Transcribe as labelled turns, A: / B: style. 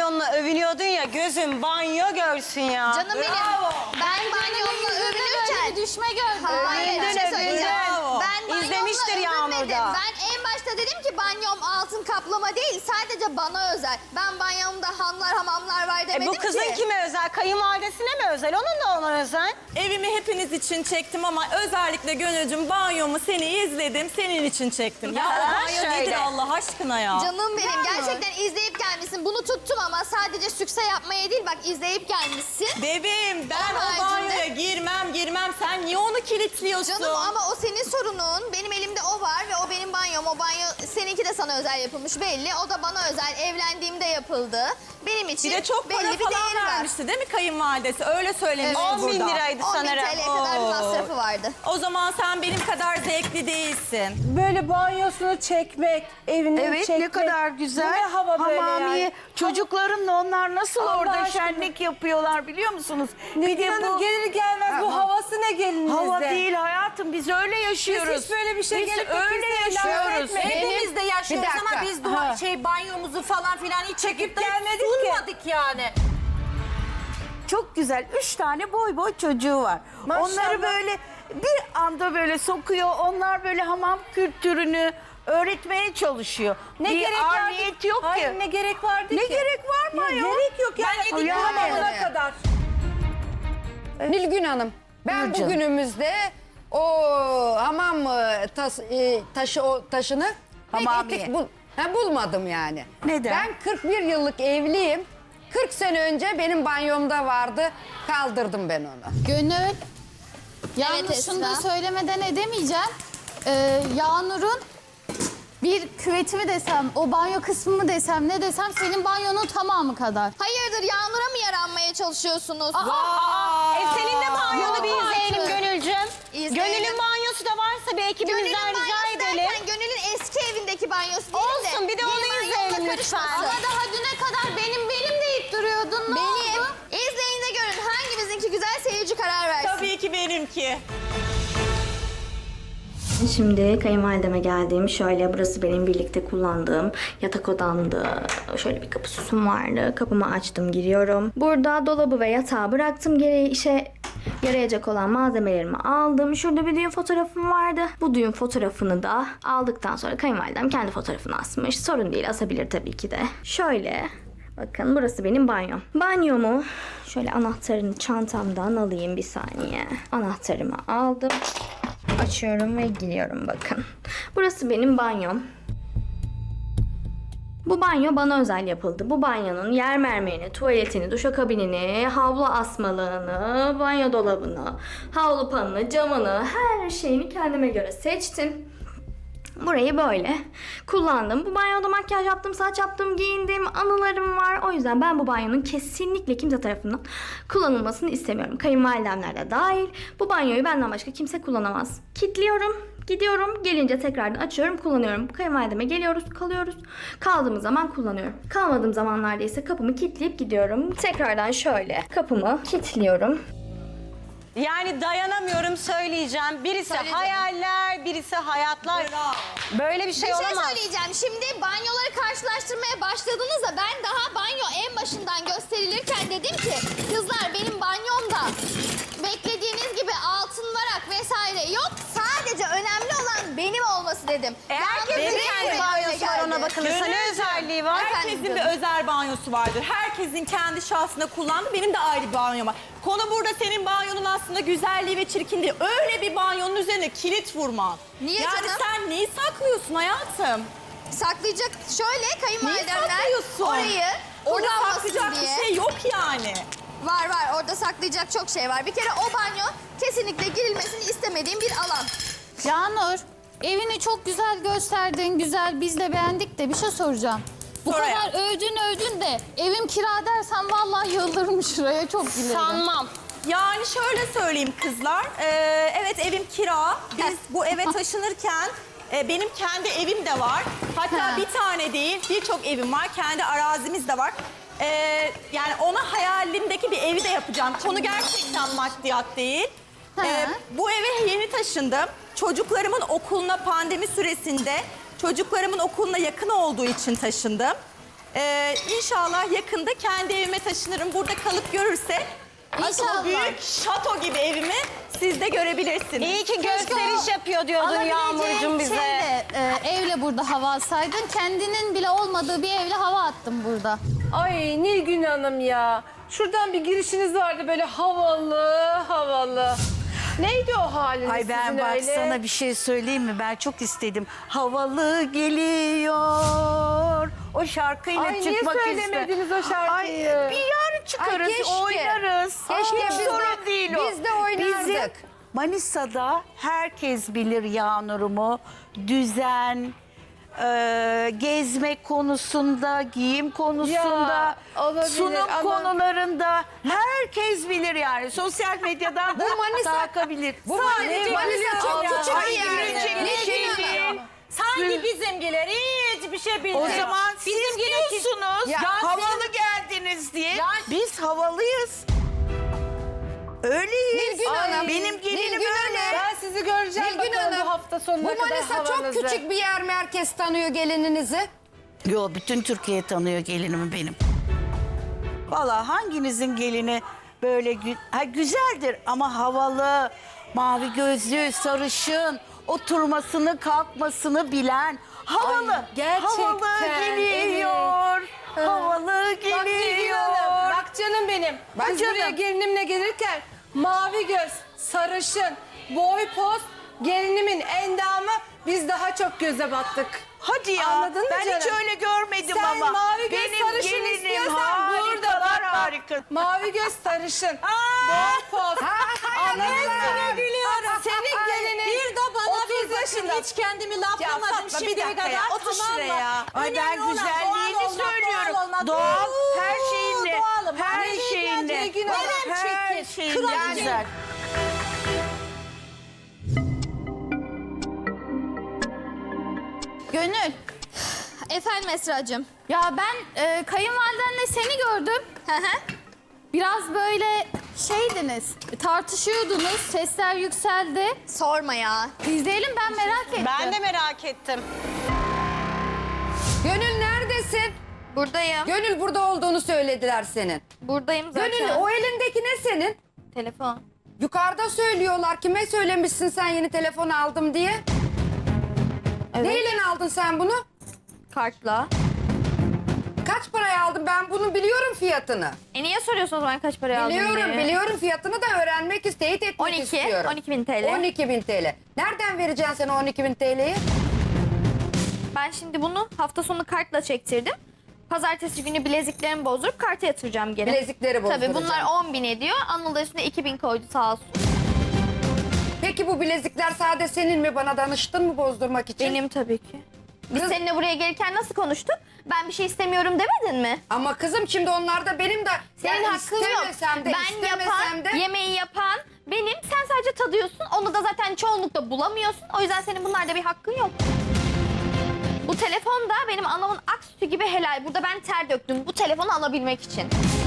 A: banyonla övünüyordun ya, gözün banyo görsün ya.
B: Canım benim. Ben banyomla övünürken...
C: düşme gördüm.
B: Hayır, bir şey söyleyeceğim.
A: Bravo.
B: Ben banyomla
A: İzlemiştir Yağmur'da.
B: övünmedim. Ben en başta dedim ki banyom altın kaplama değil, sadece bana özel. Ben banyomda hanlar, hamamlar var demedim
A: Bu kızın
B: ki.
A: kime özel? Kayınvalidesine mi özel? Onun da ona özel.
D: Evimi hepiniz için çektim ama özellikle Gönülcüm banyomu seni izledim, senin için çektim. Ya o banyo
A: şöyle.
D: nedir Allah aşkına ya?
B: Canım benim, gerçekten izleyip gelmişsin. Bunu tuttum ama sadece sükse yapmaya değil, bak izleyip gelmişsin.
D: Bebeğim ben
B: Onun
D: o banyoya
B: haricinde-
D: girmem. Sen niye onu kilitliyorsun?
B: Canım ama o senin sorunun. Benim elimde o var ve o benim banyom. O banyo seninki de sana özel yapılmış belli. O da bana özel. Evlendiğimde yapıldı. Benim için
D: Bir de çok para
B: belli bir
D: falan
B: değeri var.
D: vermişti değil mi kayınvalidesi? Öyle söylemiş
A: 10 bin
D: burada.
A: liraydı
B: 10 bin
A: sanırım.
B: TL'ye kadar bir masrafı vardı.
D: O zaman sen benim kadar zevkli değilsin.
E: Böyle banyosunu çekmek, evini
F: Evet,
E: çekmek.
F: ne kadar güzel.
E: Bu ne hava böyle
F: Hamamiye.
E: yani.
F: Çocuklarınla onlar nasıl
E: Allah
F: orada
E: aşkına.
F: şenlik yapıyorlar biliyor musunuz?
E: Bir Hanım gelir gelmez bu havası ne gelinizde?
F: Hava değil hayatım, biz öyle yaşıyoruz.
E: Biz hiç böyle bir şey
F: Biz
E: gelip de
F: öyle
E: kimseye laf
F: yaşıyoruz.
E: etmeyin.
G: Hepimiz de yaşıyoruz
F: Bir dakika.
G: ama biz
E: Ha.
G: banyomuzu falan filan hiç çekip de
E: gelmedik ki.
G: sunmadık yani.
F: Çok güzel. 3 tane boy boy çocuğu var.
E: Maşallah.
F: Onları böyle bir anda böyle sokuyor. Onlar böyle hamam kültürünü öğretmeye çalışıyor.
E: Ne
F: bir
E: gerek vardı?
F: arniyet yok
E: Hayır,
F: ki.
E: ne gerek vardı
F: Ne
E: ki?
F: gerek var mı
E: Ya
F: ayol?
E: gerek yok yani.
F: Ben yedik
E: hamamına
F: yani.
E: kadar.
H: Nilgün Hanım, ben
F: Buyur canım.
H: bugünümüzde o hamam taşını pek
F: Hamamiye.
H: etik bulmadım yani.
F: Neden?
H: Ben 41 yıllık evliyim. 40 sene önce benim banyomda vardı. Kaldırdım ben onu.
C: Gönül. Yalnız şunu da
B: Esra.
C: söylemeden edemeyeceğim. Yağnur'un bir küveti mi desem, o banyo kısmı mı desem, ne desem senin banyonun tamamı kadar.
B: Hayırdır, Yağmur'a mı yaranmaya çalışıyorsunuz?
A: Senin de banyonu bir
B: Yok
A: izleyelim
B: artık.
A: Gönülcüm.
B: İzleyelim.
A: Gönül'ün banyosu da varsa bir ekibimizden
B: Gönül'ün
A: rica
B: banyosu
A: edelim.
B: derken Gönül'ün eski evindeki banyosu değil de.
A: Olsun, bir de
B: benim
A: onu
B: banyomla
A: izleyelim
B: karışmasın.
A: lütfen.
C: Ama daha düne kadar benim deyip duruyordun. Ne
B: Benim.
C: oldu?
B: İzleyin de görün hangimizinki güzel, seyirci karar versin.
D: Tabii ki benimki.
I: Şimdi kayınvalideme geldim. Şöyle burası benim birlikte kullandığım yatak odamdı. Şöyle bir kapı süsüm vardı. Kapımı açtım, giriyorum. Burada dolabı ve yatağı bıraktım. Geri işe yarayacak olan malzemelerimi aldım. Şurada bir düğün fotoğrafım vardı. Bu düğün fotoğrafını da aldıktan sonra kayınvalidem kendi fotoğrafını asmış. Sorun değil, asabilir tabii ki de. Şöyle bakın, burası benim banyom. Banyomu şöyle anahtarını çantamdan alayım, bir saniye. Anahtarımı aldım. Açıyorum ve giriyorum bakın. Burası benim banyom. Bu banyo bana özel yapıldı. Bu banyonun yer mermerini, tuvaletini, duşakabinini, havlu asmalığını, banyo dolabını, havlu panını, camını, her şeyini kendime göre seçtim. Burayı böyle kullandım. Bu banyoda makyaj yaptım, saç yaptım, giyindim, anılarım var. O yüzden ben bu banyonun kesinlikle kimse tarafından kullanılmasını istemiyorum. Kayınvalidemler de dahil. Bu banyoyu benden başka kimse kullanamaz. Kilitliyorum, gidiyorum, gelince tekrardan açıyorum, kullanıyorum. Kayınvalideme geliyoruz, kalıyoruz. Kaldığımız zaman kullanıyorum. Kalmadığım zamanlarda ise kapımı kilitleyip gidiyorum. Tekrardan şöyle kapımı kilitliyorum.
A: Yani dayanamıyorum, söyleyeceğim. Birisi
B: Söyle canım.
A: hayaller, birisi hayatlar. Böyle bir şey
B: Bir şey
A: olamaz.
B: söyleyeceğim. Şimdi banyoları karşılaştırmaya başladığınızda ben daha banyo en başından gösterilirken dedim ki kızlar benim banyomda beklediğiniz gibi altın varak vesaire yok. Sadece önemli olan benim olması dedim.
A: Herkesin
B: Yalnız
A: kendi
B: öyle
A: banyosu var,
B: geldi.
A: ona bakılırsa ne özelliği var?
D: Herkesin
B: Efendim
D: bir özel banyosu vardır. Herkesin kendi şahsında kullandığı, benim de ayrı bir banyom var. Konu burada senin banyonun aslında güzelliği ve çirkinliği. Öyle bir banyonun üzerine kilit vurman.
B: Niye
D: yani
B: canım?
D: sen neyi saklıyorsun hayatım?
B: Saklayacak şöyle kayınvalidemler
D: saklıyorsun?
B: orayı
D: Orada
B: kullanmasın
D: saklayacak
B: diye.
D: bir şey yok yani.
B: Var var, orada saklayacak çok şey var. Bir kere o banyo kesinlikle girilmesini istemediğim bir alan.
C: Yağnur, evini çok güzel gösterdin, güzel, biz de beğendik de bir şey soracağım. Bu
D: Sor
C: kadar
D: hayatım.
C: övdün de evim kira dersen vallahi yıldırım şuraya, çok gülerim.
A: Sanmam.
D: Yani şöyle söyleyeyim kızlar. Evet evim kira. Biz bu eve taşınırken benim kendi evim de var. Hatta
C: Ha.
D: bir tane değil birçok evim var. Kendi arazimiz de var. Yani ona hayalimdeki bir evi de yapacağım. Konu gerçekten maddiyat değil.
C: Ha.
D: Bu eve yeni taşındım. Çocuklarımın okuluna pandemi süresinde çocuklarımın okuluna yakın olduğu için taşındım. İnşallah yakında kendi evime taşınırım. Burada kalıp görürsek asıl o
C: İnşallah.
D: büyük şato gibi evimi siz de görebilirsiniz.
A: İyi ki
C: Keşke
A: gösteriş
C: o
A: yapıyor diyordun Yağmurcuğum bize.
C: Evle burada hava atsaydın. Kendinin bile olmadığı bir evle hava attın burada.
E: Ay Nilgün Hanım ya. Şuradan bir girişiniz vardı böyle havalı havalı. Neydi o haliniz
F: Ay ben
E: sizin
F: bak
E: öyle?
F: sana bir şey söyleyeyim mi? Ben çok istedim. Havalı geliyor. O şarkıyla
E: Ay niye
F: çıkmak
E: söylemediniz o şarkıyı?
F: Ay bir yarın çıkarız,
H: Ay, keşke.
F: oynarız.
H: Keşke
F: Hiç
H: biz de-
F: sorun değil o.
H: biz de oynardık.
F: Bizim Manisa'da herkes bilir Yağnur'umu. Düzen, gezme konusunda, giyim konusunda,
E: Ya, olabilir
F: sunum
E: ama-
F: konularında herkes bilir yani. Sosyal medyadan
H: Bu Manisa-
F: takabilir.
H: Bu Manisa çok küçük bir
F: Ay,
H: yer.
F: gülecek bir
H: Nilgün
F: şey
H: Hanım.
F: değil.
G: Sanki bizimkiler hiçbir şey bilmiyor.
F: O zaman siz diyorsunuz
H: Ya
F: havalı geldiniz diye. Biz havalıyız. Öyleyiz.
H: Nilgün Hanım.
F: Benim gelinim
H: Nilgün
F: öyle.
H: Hanım.
E: Ben sizi göreceğim
H: Nilgün
E: bakalım
H: Hanım,
E: bu hafta sonuna
H: Bu
E: kadar
H: Manisa
E: havanızı.
H: çok küçük bir yer mi? Herkes tanıyor gelininizi.
F: Yo, bütün Türkiye tanıyor gelinimi benim. Vallahi hanginizin gelini böyle güzeldir ama havalı, mavi gözlü, sarışın, oturmasını kalkmasını bilen, havalı,
E: Ay, gerçekten,
F: havalı geliyor, havalı
E: Bak Nilgün
F: geliyor.
E: Hanım, bak canım benim.
F: Bak
E: Biz
F: canım.
E: buraya gelinimle gelirken mavi göz, sarışın, boy post, gelinimin endamı biz daha çok göze battık.
F: Hadi ya,
E: Anladın mı
F: ben hiç
E: canım?
F: öyle görmedim
E: Sen
F: ama.
E: mavi göz
F: Benim
E: sarışın
F: gelinim
E: istiyorsan burada bak bak.
F: harika.
E: Mavi göz sarışın, boy post. Anladın mı? Senin gelinin
G: Bir de bana
E: 30
G: bir bakın
E: yaşında.
G: hiç kendimi
E: Ya
G: laflamadım
E: Fatma, bir
G: şimdiye
E: dakika
G: kadar.
E: ya, otur
G: Tamam mı?
E: şuraya.
F: Ay ben
G: Önemli olan
F: güzelliğini
G: doğal olmak,
F: söylüyorum.
G: doğal olmak.
F: Doğal, her şeyinle,
G: Doğalım.
F: her
G: Nilgün,
F: şeyinle,
E: Nilgün
G: Hanım.
F: her
G: Çekil,
F: şeyinle
G: kraliçe.
F: güzel.
C: Gönül.
B: Efendim Esra'cığım.
C: Ya ben kayınvalidenle seni gördüm.
B: Hı hı.
C: Biraz böyle şeydiniz, tartışıyordunuz, sesler yükseldi.
B: Sorma ya.
C: İzleyelim, ben merak ettim.
A: Ben de merak ettim.
H: Gönül neredesin?
B: Buradayım.
H: Gönül burada olduğunu söylediler senin.
B: Buradayım zaten.
H: Gönül o elindeki ne senin?
B: Telefon.
H: Yukarıda söylüyorlar. Kime söylemişsin sen yeni telefon aldım diye?
B: Evet.
H: Neyle aldın sen bunu?
B: Kartla.
H: Kaç paraya aldın? Ben bunu biliyorum fiyatını.
B: Niye soruyorsun o zaman kaç paraya aldın
H: Biliyorum,
B: diye?
H: biliyorum fiyatını da öğrenmek, teyit etmek
B: 12.
H: istiyorum.
B: 12.000 TL.
H: 12.000 TL. Nereden vereceksin sen o 12.000 TL'yi?
B: Ben şimdi bunu hafta sonu kartla çektirdim. Pazartesi günü bileziklerimi bozdurup karta yatıracağım geri.
H: Bilezikleri
B: Tabii
H: bozduracaksın.
B: bunlar 10.000 ediyor. Anıl da üstüne 2.000 koydu sağ olsun.
H: Peki bu bilezikler sade senin mi? Bana danıştın mı bozdurmak için?
B: Benim tabii ki. Biz
H: Kız-
B: seninle buraya gelirken nasıl konuştuk? Ben bir şey istemiyorum demedin mi?
H: Ama kızım şimdi onlar da benim de
B: Senin
H: yani
B: hakkın yok.
H: istemesem de
B: Ben
H: istemesem
B: yapan,
H: de
B: yemeği yapan benim. Sen sadece tadıyorsun. Onu da zaten çoğunlukla bulamıyorsun. O yüzden senin bunlarda bir hakkın yok. Bu telefon da benim anamın ak sütü gibi helal. Burada ben ter döktüm bu telefonu alabilmek için.